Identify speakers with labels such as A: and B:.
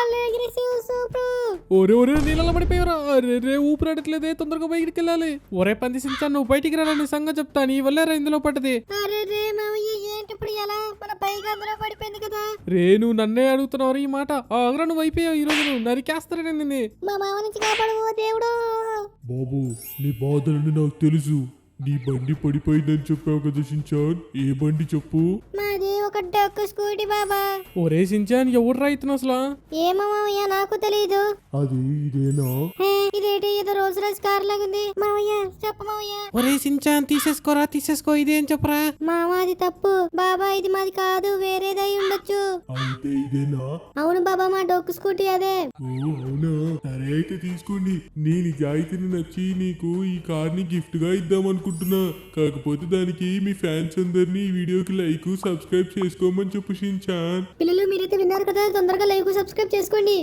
A: ఒరే ఒరే నీళ్ళలో పడిపోయారా? రే ఊపిరాడట్లేదే, తొందరగా బయటికి వెళ్ళాలి. ఒరే పంది సించాన్, నువ్వు బయటికి రా, నీ సంగతి చెప్తా. నీ వల్లేరా ఇందులో పడ్డది. రే నువ్వు నన్నే అడుగుతున్నావు ఈ మాట. ఆగ్రా నువ్వు అయిపోయావు. ఈ రోజు నువ్వు నరికేస్తారా నిన్ను.
B: మా మామ నుంచి కాపాడు దేవుడు.
C: బాబు నీ బాధలని నాకు తెలుసు. నీ బండి పడిపోయిందని చెప్పావు కదా షించాన్, ఏ బండి చెప్పు.
B: మాది ఒక డొక్కు స్కూటీ బాబా.
A: ఒరే సించాన్, ఎవరు రైతున్నావు అసలు?
B: ఏమో మామయ్య నాకు తెలీదు.
C: అది ఇదేనా?
B: ఇదేంటి ఏదో రోల్స్ రాయిస్ కార్ లాగుంది. మామయ్య చెప్పు మామయ్య.
A: ఒరే సించాన్, తీసేసుకోరా, తీసేసుకో. ఇదేం చెప్పరా?
B: మామ అది తప్పు బాబా, ఇది మాది కాదు, వేరేదై ఉండొచ్చు.
C: అయితే ఇదేనా?
B: అవును బాబా, మా డొక్కు స్కూటీ అదే.
C: ఓ అవునా, సరే అయితే తీసుకోండి. నీ నిజాయితీని నచ్చి నీకు ఈ కార్ ని గిఫ్ట్ గా ఇద్దాం అనుకుంటున్నా. కాకపోతే దానికి మీ ఫ్యాన్స్ అందరినీ ఈ వీడియోకి లైక్ సబ్స్క్రైబ్ చేసుకోమని చెప్పు షించాన్.
B: పిల్లలు మీరైతే విన్నారు కదా, తొందరగా లైక్ సబ్స్క్రైబ్ చేసుకోండి.